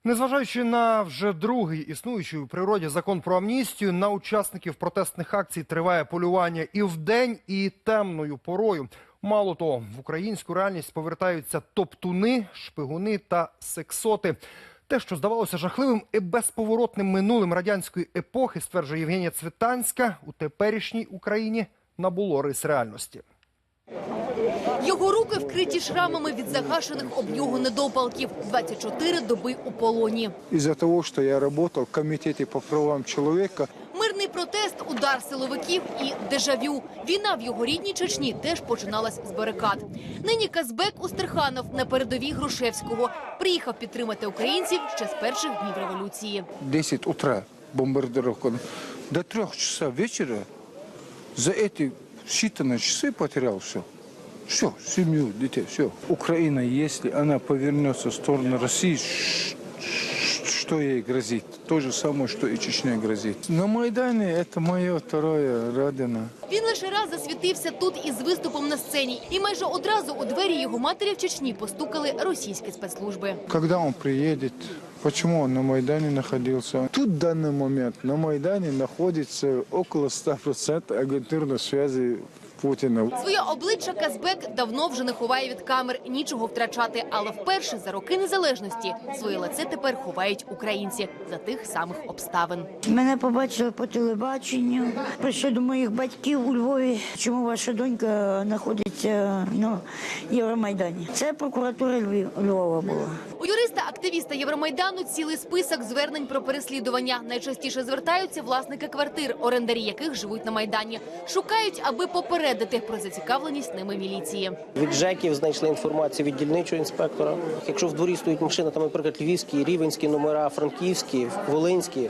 Незважаючи на вже другий існуючий у природі закон про амністію, на учасників протестних акцій триває полювання і вдень, і темною порою. Мало того, в українську реальність повертаються топтуни, шпигуни та сексоти. Те, що здавалося жахливим і безповоротним минулим радянської епохи, стверджує Євгенія Цвітанська, у теперішній Україні набуло рис реальності. Його руки вкриті шрамами від загашених об нього недопалків. 24 доби у полоні. Із-за того, що я працював в комітеті по правам чоловіка. Мирний протест, удар силовиків і дежавю. Війна в його рідній Чечні теж починалась з барикад. Нині Казбек Устерханов на передовій Грушевського. Приїхав підтримати українців ще з перших днів революції. 10 утра бомбардировка. До 3 часов вечера за эти считанные часы потерял все. Все, семью, детей, все. Украина, если она повернется в сторону России, что ей грозит? То же самое, что и Чечне грозит. На Майдане это моя вторая родина. Він лише раз засвітився тут із виступом на сцені. І майже одразу у двері його матері в Чечні постукали російські спецслужби. Когда он приедет, почему он на Майдане находился? Тут в данный момент на Майдане находится около 100% агентурной связи Путіна. Своє обличчя Казбек давно вже не ховає від камер, нічого втрачати. Але вперше за роки незалежності своє лице тепер ховають українці за тих самих обставин. Мене побачили по телебаченню, прийшли до моїх батьків у Львові. Чому ваша донька знаходиться на Євромайдані? Це прокуратура Львова була. У юриста-активіста Євромайдану цілий список звернень про переслідування. Найчастіше звертаються власники квартир, орендарі яких живуть на Майдані. Шукають, аби попередити про зацікавленість ними міліції. Від ЖЕКів знайшли інформацію від дільничого інспектора. Якщо в дворі стоїть машина, там, наприклад, львівські, рівенські номера, франківські, волинські,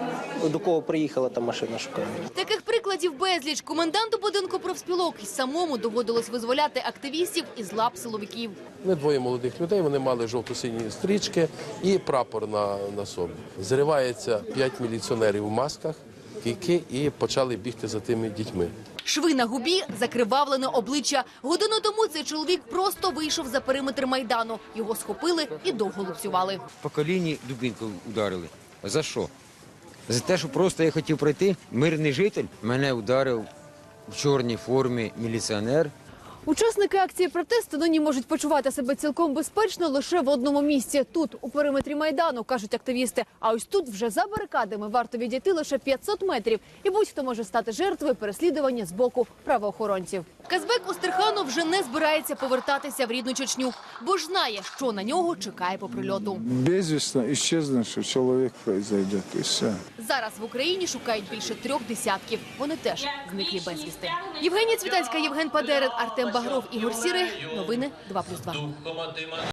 до кого приїхала та машина шукають. Таких прикладів безліч. Коменданту будинку профспілок й самому доводилось визволяти активістів із лап силовиків. Ми двоє молодих людей, вони мали жовто-сині стрічки і прапор на собі. Зривається 5 міліціонерів у масках, кійки і почали бігти за тими дітьми. Шви на губі, закривавлене обличчя. Годину тому цей чоловік просто вийшов за периметр Майдану. Його схопили і довго лупцювали. По коліні дубинку ударили. За що? За те, що просто я хотів пройти, мирний житель. Мене ударив в чорній формі міліціонер. Учасники акції протесту нині можуть почувати себе цілком безпечно лише в одному місці. Тут, у периметрі Майдану, кажуть активісти. А ось тут вже за барикадами варто відійти лише 500 метрів. І будь-хто може стати жертвою переслідування з боку правоохоронців. Казбек Устерханов вже не збирається повертатися в рідну Чечню, бо ж знає, що на нього чекає по прильоту. Безвісно исчезнувший чоловік произойде. І все. Зараз в Україні шукають більше 3 десятків. Вони теж зниклі безвісти. Євгенія Цвітанська, Євген Падерин, Артем Багров, Ігор Сірий. Новини 2+2.